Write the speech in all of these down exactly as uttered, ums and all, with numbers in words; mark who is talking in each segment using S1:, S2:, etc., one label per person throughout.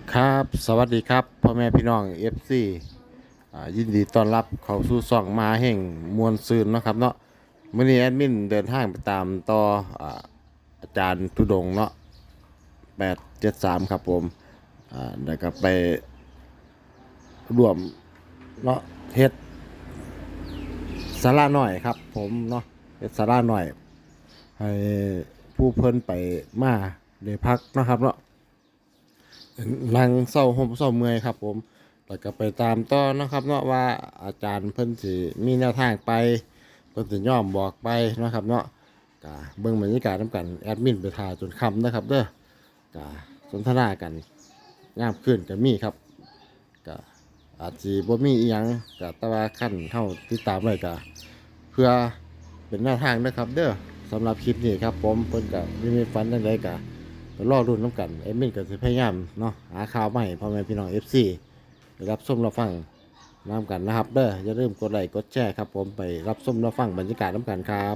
S1: ครับสวัสดีครับพ่อแม่พี่น้อง เอฟ ซี อ่ายินดีต้อนรับเข้าสู่ช่องมหาแห่งมวลซืนเนาะครับเนาะมื้อนี้แอดมินเดินทางไปตามต่ออ่าอาจารย์ทุดงค์เนาะแปดเจ็ดสามครับผมอ่าแล้วก็ไปร่วมเนาะเฮ็ดศาลาน้อยครับผมเนาะเฮ็ดศาลาน้อยให้ผู้เพิ่นไปมาได้พักเนาะครับเนาะ นั่งเศร้าห่มเศร้าเมื่อยครับผมแล้วก็ไปตามต่อนะครับเนาะว่าอาจารย์เพิ่นสิมีแนวทางไปเพิ่นสิย่อมบอกไปนะครับเนาะกะเบิ่งบรรยากาศนำกันแอดมินไปถ่ายจนค่ำนะครับเด้อกะสนทนากันยามคืนก็มีครับกะอาจสิบ่มีอีหยังกะแต่ว่าขั้นเฮาติดตามไว้กะเพื่อเป็นแนวทางนะครับเด้อสำหรับคลิปนี้ครับผมเพิ่นก็มีมีฝันจังไดกะ ก็รอรุ่นน้ำกันเอ็มมินก็จะพยายามเนาะหาข่าวมาให้พ่อแม่พี่น้องเอฟซีไปรับชมรับฟังน้ำกันนะครับเด้ออย่าลืมกดไลค์กดแชร์ครับผมไปรับชมรับฟังบรรยากาศน้ำกันครับ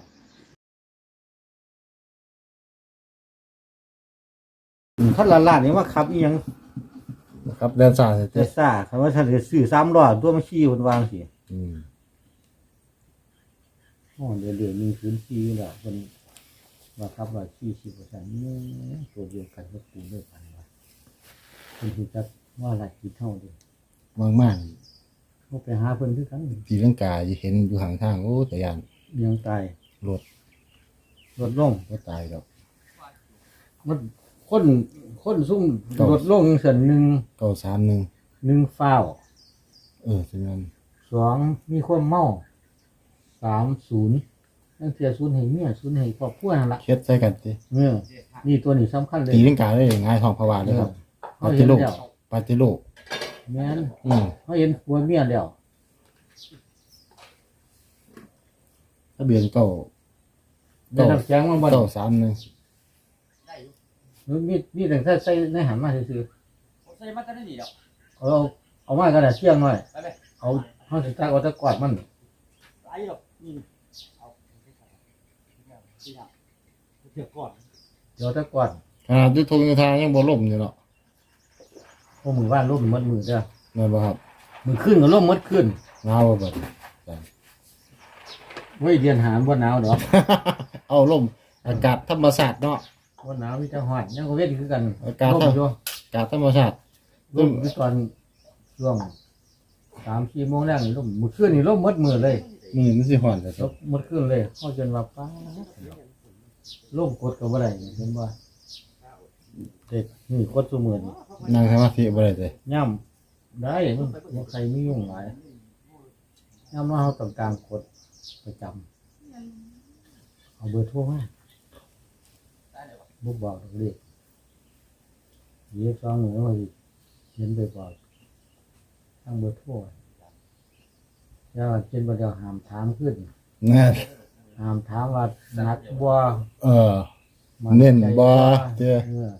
S2: ท่านละล้านนี่ว่าขับอีหยัง
S1: ครับเดินสาย
S2: แต่ซ่าคำว่าท่านจะซื้อสามล้อตัวมาขี่คนวางสิ
S1: อืม
S2: อ๋อเดี๋ยวเดี๋ยวมีพื้นที่แล้วคนว่าขับว่าขี่สิบเปอร์เซ็นต์นี่ตัวเดียวกันก็ปูด้วยกันว่าคนที่จะว่าอะไรคิดเท่าเดียว
S1: มากมาก
S2: เขาไปหาเพิ่นคือกัน
S1: ทีร่างกายเห็นอยู่ห่างทางโอ้แต่ยาน
S2: ยังตาย
S1: รถ
S2: ลดลง
S1: ก็ตายแล้ว
S2: มันคนคนซุ่มลดลงส่วนหนึ่ง
S1: เก้าสามหนึ่ง
S2: หนึ่งฟ้าว
S1: เออถึงนั้น
S2: สองมีความเมาสามศูนย์นั่นเสียศูนย์ให้เมียศูนย์ให้ครอบครัวนั่นละ
S1: เคล็ดใส่กันสิ
S2: เออนี่ตัวนี้สำคัญเลย
S1: ตีร่างกายได้ง่ายทองพวาเลยครับป
S2: เขา
S1: ฏิ
S2: เห็น
S1: โลก
S2: แล้ว
S1: ปฏิโลก
S2: แม่น
S1: อืม
S2: เขาเห็นผัวเมียแล้ว
S1: ทะเบียนเก้า
S2: ได้รับแจ้งมาบ่
S1: เก้าสามหนึ่ง
S2: มันมีมีแต่ใส่ใส่ในหันมาซื่อ
S3: ผมใส่มาตั้งแต่นี่แล้ว
S2: ๆเอาเอามากันน่ะเที่ยงหน่อย
S3: ไปไป
S2: เอาเฮาสิตักเอาตะกอดมัน
S3: ไล่หรอกนี่เอาที่ทำเถื่อก่อน
S2: เดี๋ยวตะกอด
S1: ขนาดยุทธงยุทธายังบ่ล่มอยู่เนาะ
S2: พวกมือว่านลมหมดมือเด้อ
S1: แม่นบ่ครับ
S2: มือขึ้นก็ลมหมดขึ้น
S1: หนาวบ่บัด
S2: เว้ยเดือนหามบ่หนาวดอก
S1: เอาลมอากาศธรรมชาติเนาะ
S2: บ่หนาวมีแต่ฮ้อนยังก็เว้นคือกัน
S1: อากาศ
S2: ลมอยู่
S1: อากาศธรรมชาติ
S2: ลมอยู่ตอนช่วงสามสี่โมงแรกนี่ลมมื้อคืนนี่ลมหมดมือเลย
S1: มือมันสิฮ้อนแต่
S2: ลมหมดคืนเลยเฮาจนว่าฟ้าลมกดก็บ่ได้เห็นบ่เด็กนี่กดซุมื้อนี่
S1: นั่งสมาธิบ่ได้เลย
S2: ย่ำได้มันมันใครไม่ยุ่งหลายย่ำว่าเขาต้องการกดประจำเอาเบอร์โทรมาบุกบอกเรียกเยี่ยสองหนึ่งว่าเขียนไปบอกทั้งเบอร์โทรแล้วเขียนว่าเดี๋ยวหามถามขึ้น
S1: นั่น
S2: หามถามว่าหนักบ่
S1: เออ
S2: มั
S1: เน้นบ่
S2: ใจ
S1: เจ้
S2: เออ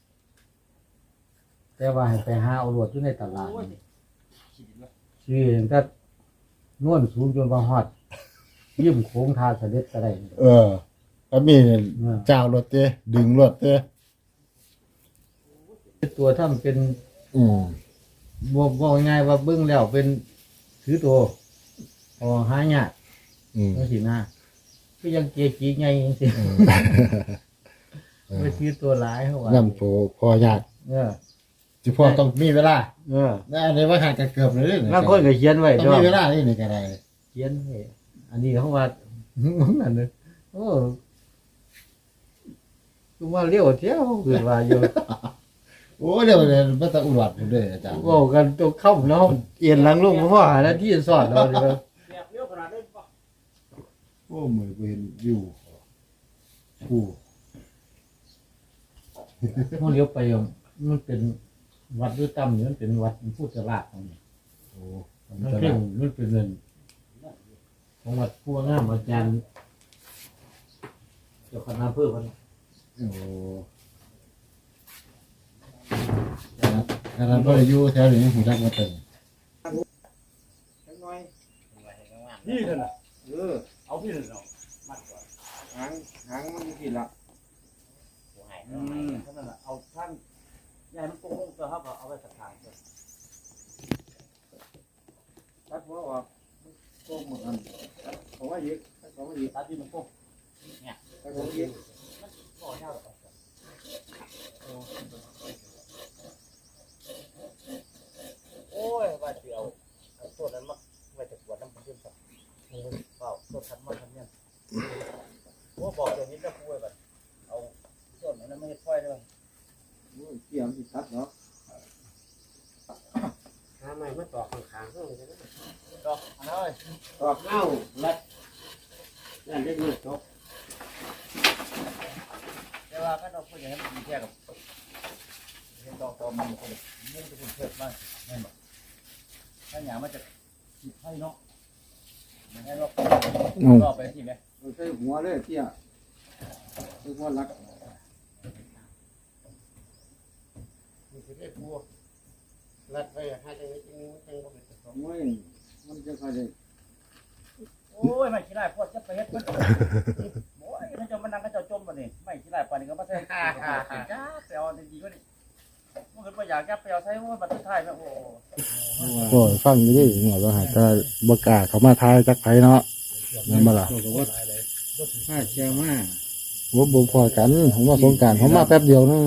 S2: แต่ว่าให้ไปหาเอารวดอยู่ในตลาดนี่ ชื่อก็นวลสูงจนว่าฮอดยิ้มโค้งทาเสด็จก็ได้
S1: เออก็มีเจ้ารถเจ้ดึงรถเจ้
S2: ตัวถ้ามันเป็น
S1: อืม
S2: บอกบอกง่ายว่าเบิ้งแล้วเป็นถือตัวพอหายาก
S1: อืม
S2: นั่นสินะก็ยังเกจีไงจังสิ
S1: อืม
S2: ไม่ถือตัวหลายเขาว่า
S1: น้ำโพพอยาก
S2: เออ
S1: สิพอต้องมีเวลา
S2: เออ
S1: ได้อันนี้ว่าหากันเกือบเลย
S2: บางคนก็เขียนไว้
S1: ต้อง
S2: ด้วย
S1: มีเวลานี่นี่ก็ได้
S2: เขียนไว้อันนี้เขาว่า นั่นเลยโอ้คือว่าเลี้ยวเที่ยวคือว่าอยู่
S1: โอ้เดี๋ยวเดี๋ยวมันจะอุบัติผมด้วยอาจารย์
S2: เว่ากันตัวเข้าเนาะเอียนหลังลงเพราะหาหน้าที่สอนเราดีกว่า
S3: แบบเลี้ยวขนาดนั้นปะ
S1: โอ้มือกูเห็นอยู่ผู้
S2: เขาเลี้ยวไปอ่ะมันเป็นวัดด้วยตั้มนี่มันเป็นวัดพุทธราชตรงนี้
S1: โอ้
S2: มันเพ่งมันเป็นเงินของวัดพวงามอาจารย์เจ้าคณะเพื่อพัน
S1: โอ้ขนาดก็อยู่แถวนี้ผมจักมาเต็ม
S3: นี่เถอะนะเออเอาพี่เถอะเนาะมัดก่อน
S1: หางหางมันมีกี่ละ
S3: อืมเท่านั้นแหละเอาท่านยายมันโกงตตัวเขาก็เอาไว้สักทางเถอะ
S2: ตัดหัวออกโค้งหมดอันเขาว่ายึดเขาว่ายึด
S3: ตัดที่มันโค้งเนี่ย
S2: เขาว่ายึด
S3: มันก่อยาวหรอกโอ้ยว่าจะเอาเอาต้นนั้นมาไว้แต่ปวดน้ำมันเชื่อมต่อเปล่าต้นทันมาทันเนี่ยโอ้บอกอย่างนี้จะพูดแบบเอาต้นนั้นไม่ให้ค่อยเลย
S2: เกี่ยมอีกตัดเนาะ
S4: หาใหม่มาต่อข้างๆเพิ่มเลยนะ
S3: ดอกอันนั้นเลย
S4: ต่อเข้าลัดนั่นได้มือจบ
S3: แต่ว่าก็ต้องพูดอย่างนั้นมันแค่กับเห็นดอกตอมันมันมุ่งจะคุณเพิ่มมากแน่นอนถ้าอย่างมันจะคิดให้เนาะอย่างนั้นเราก็ไปที่ไหม
S2: เราใช้หัวเลยเที่ยใช้หัวลัก
S4: มีสิได้พูลัดไว้ให้จังนี้จังนี้มันจังบ่เป็นตัว
S2: มวยมันจะคอยได้
S3: โอ้ยไม่ขี้ได้พวกจะไปเฮ็ดเพิ่นโอ้ยถ้าจะมานั่งก็จะจมมานี่ไม่ขี้ได้ปานนี้ก็มาใส่จ้าไปเอาดีๆก็ดิมันก็บ่อยากจะไปเอาใช้ว่าบัดสุดท้ายแม่โอ้
S1: โอ้ยฟังอยู่ดิเนี่ยว่าหาแต่บ่กล้าเขามาทายจักไผเนาะนั่นบ่ล่ะ
S2: บอกว่าถ้าเชื่อมา
S1: ว่าบ่พอกันผมมาสงกรานต์ผมมาแป๊บเดียวนึง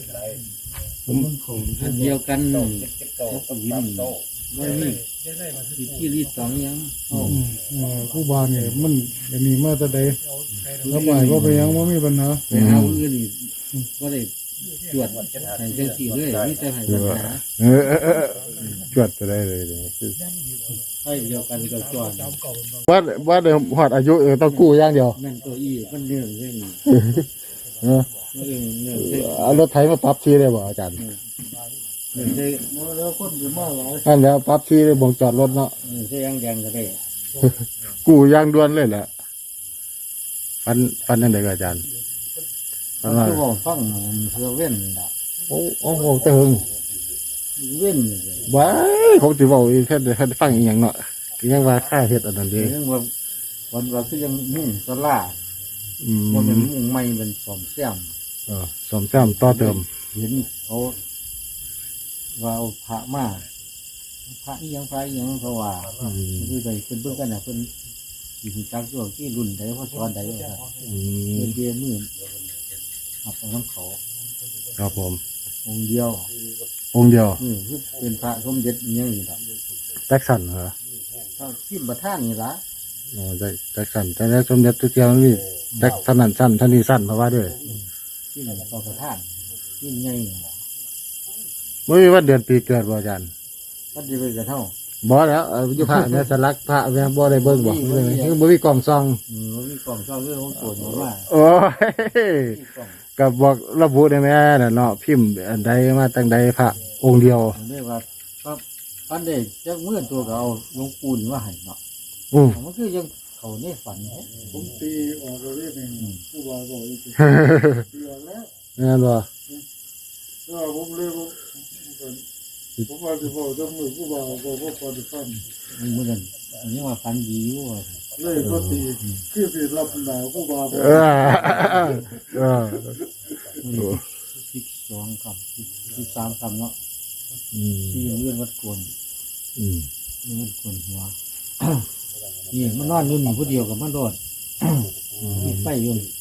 S2: อันเดียวกัน
S3: โต
S2: ก็วินว่านี่ที่ที่รีดสองยัง
S5: ผู้บานเนี่ยมันจะมีมาแต่ใดแล้วไปก็ไปยังว่ามีปัญหา
S2: ไปหาอื่นนี่ก็ได้ตรวจใส่จังสี่เลยมีแต่ให้ปัญหา
S1: เออเออเออจวดจะได้เลยเลย
S2: ใช่เดียวกันก็จอด
S1: ว่าว่าเดี๋ยวฮอดอายุเออต้องกู้อย่างเดียว
S2: นั่นตัวอี้มันเนื่องเรื่อง
S1: เออ
S2: เรื่องเนื่องเรื่อง
S1: เอารถไถมาปรับที่ได้บ่อาจารย์
S2: เนื่องได้
S5: แล้วคนอยู่มากหลาย
S1: นั่นแล้วปรับที่ได้บ่งจอดรถเนาะ
S2: เนื่องได้ยังแดงก็ได้
S1: กู้อย่างด่วนเลยแหละปันปันนั่นได้ก็อาจารย์ปันว่า
S2: คือบอกฟังเพื่อเว้นล่ะ
S1: โอ้โอ้โหเติง
S2: เว้น
S1: ว้ายเขาสิเว้าอีกแค่แค่ฟังอีหยังเนาะก็ยังว่าค่าเฮ็ดอันนั้นเด้
S2: เรื่องว่าวันว่าคือยังมุ่งสลา
S1: อืม
S2: ว่าเป็นมุ่งไม่เป็นสอมแซม
S1: เออซ่อมแซมต่อเติม
S2: เห็นเขาว่าเอาพระมาพระอีหยังพระอีหยังเขาว่า
S1: อืม
S2: คือใดเป็นเบื้องกันนะเป็นอยู่จักช่วงที่รุ่นใดเพราะสอนใดว่าครับ
S1: อื
S2: เป็
S1: ม
S2: นเดียมือขับของน้ำเขา
S1: ครับผม
S2: องค์เดียว
S1: องค์เดียว
S2: อือคือเป็นพระสมเด็จอหยังนี่ละ
S1: แจ็คสันเหรอ
S2: ถ้าทิมประท่านนี่ละ
S1: อ๋อแจ็คแจ็คสันแต่แล้วสมเด็จตุเกียวมันมีแจ็คสันนั่นสั้นท่านนี้สั้นเพราะว่าด้วย
S2: ที่นั่นต่อประท่านยิ่งใหญ่นี่ล่ะ
S1: ไม่มีวันเดือนปีเกิดบ่อาจารย์
S2: ก็ดีไปกับเท่า
S1: บ่แล้วเอ่ออยู่พระเนี่ยสลักพระแม่บ่ได้เบิ่งบ่เลยคือบ่มีกล่องซอง
S2: อืมมันมีกล่องเจ้าเรื่องของโกรธมาว่า
S1: โอ้ย
S2: มีกล่อง
S1: ก็บอกระบุได้แม่น่ะเนาะพิมพ์อันใดมาตั้งใดพระองค์เดียว
S2: ผมเรียกว่าก็ปันเด็กจักเมื่อตัวก็เอาหลวงปูนว่าให้เนาะ
S1: อือ
S2: มันคือยังเขาในฝันแท้
S5: ผมตีออกเราเรียกเองผู้บาบอกอีกทีตีออกแล้ว
S1: แม่นบ่
S5: ก็ผมเลยผมผมว่าจะบอกจะมือผู้บาบอกว่าพอจะฟัน
S2: มันเหมือนกันอันนี้ว่าฝันดีอยู่ว่า
S5: เลยก็ตีคือตีรับหนาวผู้บาบอก
S1: เออเออ
S2: สิบสองคำสิบสิบสามคำเนาะ
S1: อืม
S2: ที่เรื่องวัดกวน
S1: อืม
S2: เรื่องวัดกวนหัว นี่มันนอนอยู่นี่ผู้เดียวกับมันโดดมีไฟอยู่นี่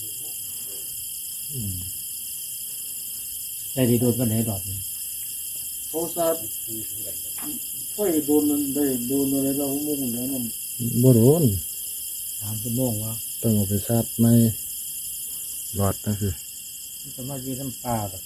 S2: ใจดีโดดกันไหนดอดนี่
S5: เขาซาดไฟโดนได้โดนอะไรเรามุ่งแล้วนั่น
S1: บ่โดน
S2: สามชั่วโมงวะ
S1: ต้องเอาไปชาร์จในหลอดนั่นคือ
S2: มันจะมายืนน้ำปลาแบบ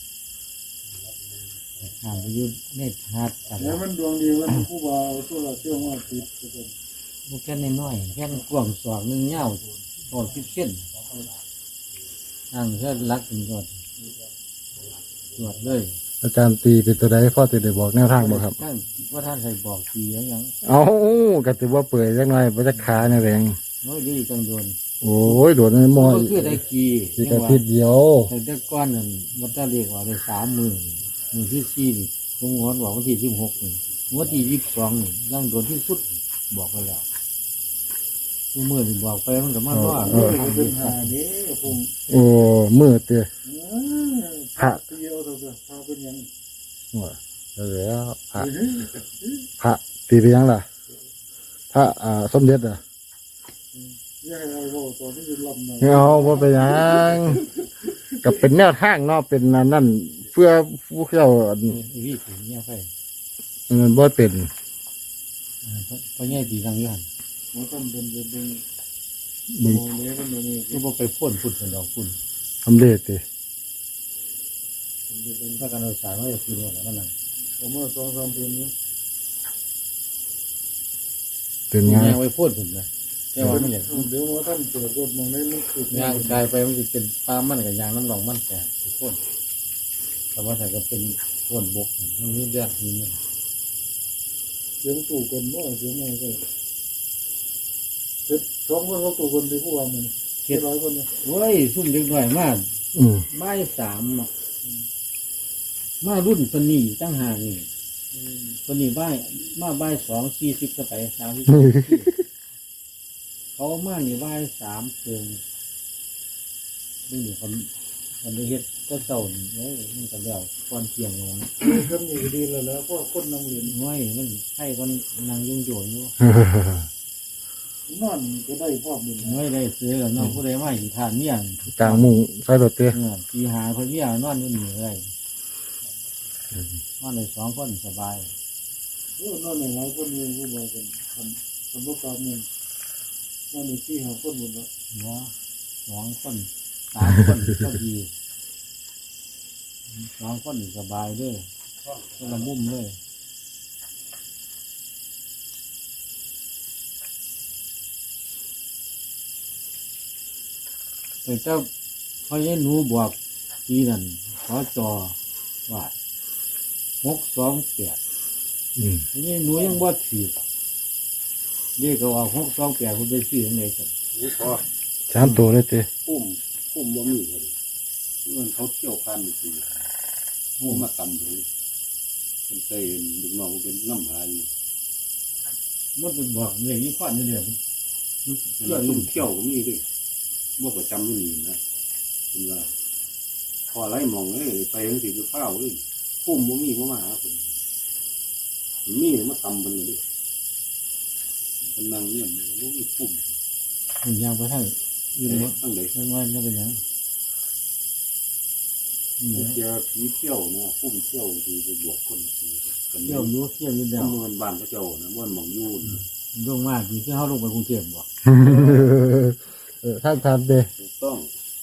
S2: ห่างไปยืนเนตรฮาร์ดกัน
S5: แล้วมันดวงดีมันผู้บาตัวละเชื่อว่าติดกัน
S2: พวกแค่น้อยๆแค่กว้างสองหนึ่งเงาพอสิบเส้นห่างแค่ลักถึงก่อนตรวจเลย
S1: อาจารย์ตีเป็นตัวใดพ่อติได้บอกแนวทางบ่ครับ
S2: ท่านว่าท่านใส่บอกทียังยัง
S1: เอ้าก็ถือว่าเปื่อยจักหน่อยบ่จักขาเนี่ยแรง
S2: น้อยดีจังโดน
S1: โอ้ยโดนในหม้อ
S2: ก็
S1: อีก
S2: คือได้กี
S1: อีกอาทิตย์เดียว
S2: แต่แต่ก้อนนั่นมันจะเรียกว่าได้สามหมื่นหมื่นที่สี่นี่ตรงหัวบอกวันที่สิบหกนี่วันที่ยี่สิบสองนี่ยังโดนที่สุดบอกไปแล้วทุกมื่อนี่บอกไปมันก็มันว่า
S5: เออเป็นหาเนี้ผม
S1: โอ้มืดเด้อ
S5: พระเดียวเถอะพระเป็นยัง
S2: พ
S5: แล้วพระพระตีไปยังล่ะพระอ่าสมเด็จอ่ะยังไงเอาตอนนี้ลำนะเอาว่าไปยังกับเป็นแนวทางเนาะเป็นนั่นเพื่อผู้เจ้า
S2: วิถีเนี่ยไป
S5: มันบ่เป็น
S2: เพราะแง่ดีทางย้อน
S5: มันต้องเป็นเป็นเป็น
S2: มึง
S5: โมเนี้มันนี่
S2: ก็บ่ไปพ่นพุ่นเป็นดอกพุ่น
S5: ทำเร็จดิ
S2: ถ้าการเอาสารว่าจะคือว่าอะไรนั่นน่ะ
S5: ผมว่าสองสามเดือนนี้เป็นไง
S2: แง่ไว้พ่นพุ่นนะแต่ว่าไม่อยาก
S5: เดี๋ยวว่าท่านเปิดรถมองได้มันคือย
S2: างกายไปมันจะเป็นปลามันกับยางน้ำหลองมันแต่ทุกคนแต่ว่าถ้าก็เป็นพ่นบกมันมีเลือดมีเนี่ย
S5: เสียงตู่คนว่าเสียงอะไรก็เจ็ดสองคนเขาตู่คนที่ผู้ว่ามันเจ็ดร้อยคนนะ
S2: เว้ยซุ่มเด็กหน่อยมาก
S5: อืม
S2: บ่ายสามอะมารุ่นปนีตั้งหากนี่ปนีบ่ายมาบ่ายสองสี่สิบก็ไปสามสิบเขามานี่บ่ายสามเกินนี่นี่คนคนได้เฮ็ดก็เจ้านี่เอ้ยมันก็แล้วก่อนเที่ยงเลยนะ
S5: ทำอยู่ดีแล้วแล้วก็คนนั่งเรียน
S2: น้อยมันให้คนนางยุ่งโยนอยู่
S5: นอนก็ได้พ่อมึง
S2: น้อยได้ซื้อแล้วน้องผู้ใดมาอีกทานเนี่ย
S5: กลางมุงใส่รถเตี้ย
S2: เออตีหาคนเนี่ยนอนอยู่นี่เลยนอนได้สองคนสบาย
S5: นอนหนึ่งร้อยคนเลยผู้บอกกันคนคนพวกกลางมุงนอนหนึ่งที่หาคนหมดแล้ว
S2: หัวสองคนสามคนก็ดีสองคนสบายเลยก็ละมุมเลยแต่เจ้าพ่อยันหนูบอกทีนั่นขอจอว่าหกสองแปด
S5: อืม
S2: พ่อยันหนูยังบ่ถือเรียกว่าหกสองแปดคุณไปซื้อยังไงกัน
S3: นี่พอ
S5: สามตัวเลยเตี้ย
S3: พุ่มพุ่มบ่มีเลยมันเขาเที่ยวคันสิพุ่มมาตำเลยเป็นเตยลูกน้องเป็นน้ำหาย
S2: มันเป็นบอกเรื่องนี้พอดนี่เดียว
S3: เที่ยวลุ่มเที่ยวก็มีด้วยบ่ประจำรุ่นนี้นะเป็นว่าพอไรมองเลยไปยังสิบเฝ้าเลยพุ่มบ่มีบ่มาหาคนมีมาตำเป็นเลยเป็นนางเนี่ยบ่มีพุ่ม
S2: มันยางไปทั้งยืนว่า
S3: ตั้งเลย
S2: ไม่ว่าไม่เป็นยังนี่
S3: เจอผีเที่ยวนะพุ่มเที่ยวคือไปบวกคนสิกัน
S2: เที่ยวอยู่เที่ยวอยู่เดียว
S3: เมืองบ้านพระเจ้านะม่วนมองยูน
S2: ดวงมากอยู่ที่เขาลงไปกรุงเทพบ่
S5: เออท่านทานเด้
S3: ถูกต้อง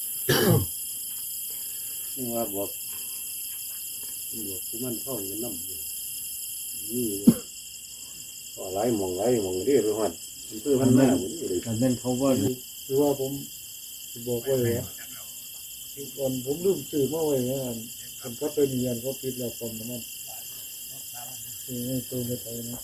S3: นี่ว่าบอกบอกคือมันเข้าอยู่น้ำอยู่นี่ก็ไหลมองไหลมองเรียบไปหัดมันคือมันหน้าเหมือนนี่เลย
S2: แต่เป็นเขาว่า
S5: คือว่าผมบอกไว้ว่าก่อนผมลืมซื้อมาไว้ว่าผมก็เป็นยันเขาปิดแล้วคนนั้นคือไม่ตัวไม่ไปนะ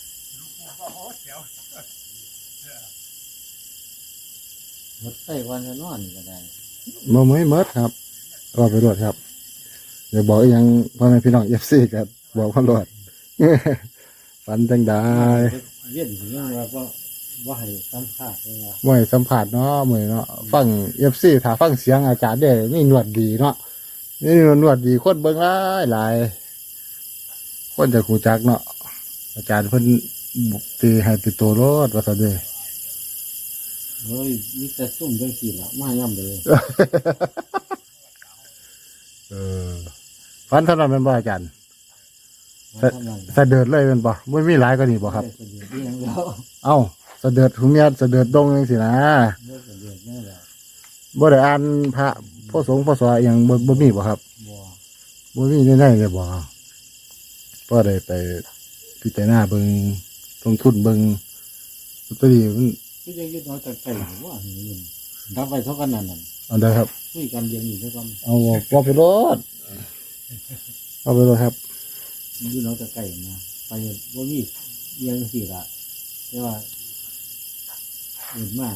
S2: รถไฟวันจะนอนก็ได้
S5: มาไม่เมิดครับก็ไปรวดครับเดี๋ยวบอกอีกอยังพ่อแม่พี่น้องเอฟซีกันบอกพ่อรวด ฝันจังได้
S2: เวียนถึงยังว่าว่าว่าให้สัมภาษณ์เลยว่า
S5: ไม่สัมผัสเนาะเหมือนเนาะฟังเอฟซีถ้าฟังเสียงอาจารย์ได้นี่หนวดดีเนาะนี่หนวดดีคนเบิ่งหลายหลายคนจะคูจักเนาะอาจารย์เพิ่นตีให้ติดตัวรถว่าซะเด้อ
S2: เฮ้ยมีแต่ซุ่มจังสี่ละมาย่ำเลย
S5: เออฟันเท่านั้นเป็นบ่อาจารย์
S2: มาทำงาน
S5: สะเดิดเลยเป็นบ่ไม่มีหลายก็นี่บ่ครับ
S2: ได้ประโยชน์นี่ยังแล้ว
S5: เอ้าสะเดิดหุมเมียสะเดิดดงจังสินะ
S2: ได้ประโยชน์นี่แหละ
S5: บ่ได้อ่านพระพ่อสงฆ์พ่อสวอหยังบ่บ่มีบ่ครับ
S2: บ่
S5: บ่มีแน่ๆเลยบ่ก็ได้ไปพิจารณาเบิ่งลงทุนเบิ่งลอตเตอรี่มัน
S2: คือจะยึดน้อยแต่ไก่ว่าเห็นดับไปเท่ากันนั่นน่ะ
S5: อันใดครับ
S2: คุยกันเรียนอยู่เท่ากัน
S5: เอาว่าไปรถเอาไปรถครับ
S2: ยึดน้อยแต่ไก่นะไปว่ามีเรียนสี่ละแต่ว่าเห็นมาก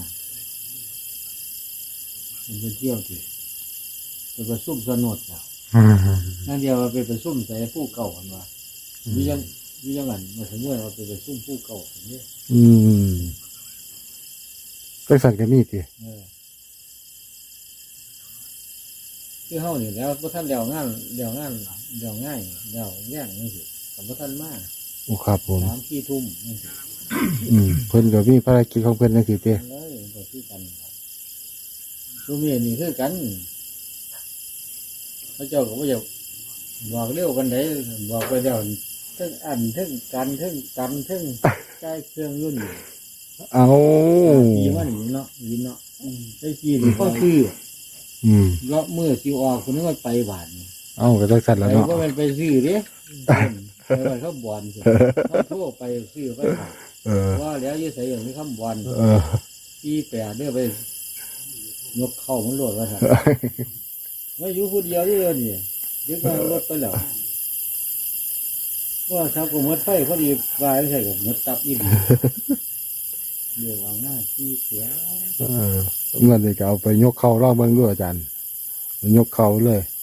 S2: เป็นไปเที่ยวสิไปประชุมสนุดอ่ะนั่นเดียวว่าไปประชุมใส่ผู้เก่ากันว่าวิยังวิยังอันมาถึงเมื่อเราไปประชุมผู้เก่าอย่างนี้
S5: อืมจังสั่นก็มีติ
S2: เออคือเฮานี่แล้วบ่ทันแล้วงานแล้วงานแล้วง่ายแล้วแย่งจังซี่ก็บ่ทันมา
S5: โอ้ครับผม
S2: สามสี่ทุ่มจังซี่
S5: อืมเพิ่นก็มีภารกิจของเพิ่นจังซี่ติ
S2: เลยบ่คือกันครับซุมื้อนี้คือกันพระเจ้าก็บ่อยากบอกเร็วกันไดบอกไปแล้วเทั้งอันเทั้งกันเทั้งกันเทั้งใช้เครื่องยุ่นอยู่
S5: เอา
S2: ปีมันนี่เนาะยินเนาะไอ้ปีนี่ก็คือ
S5: อืม
S2: เลาะมือสิออกคนนึงว่าไปบาทนี่
S5: เอาก็จังซั่น
S2: ไป
S5: แล้วเนาะ
S2: ก็มันไปซื้อเด้ไปว่าเขาบอลสิเขาโทรไปซื้อไปฝาก
S5: เออ
S2: ว่าแล้วอยู่ไสอย่างนี้คำบอล
S5: เออ
S2: ปีแปดเด้อไปยกเข้ามันโลดว่าซั่นว่าอยู่ผู้เดียวนี่เด้อนี่ยึดมารถไปแล้วว่าครับก็หมดไฟพอดีว่าใช่ก็หมดตับอีกเดี๋ยววางหน้าที่เสีย
S5: เออเมื่อนี้ก็เอาไปยกเข้ารอบเบิ่งด้วยอาจารย์ไปยกเข้าเลย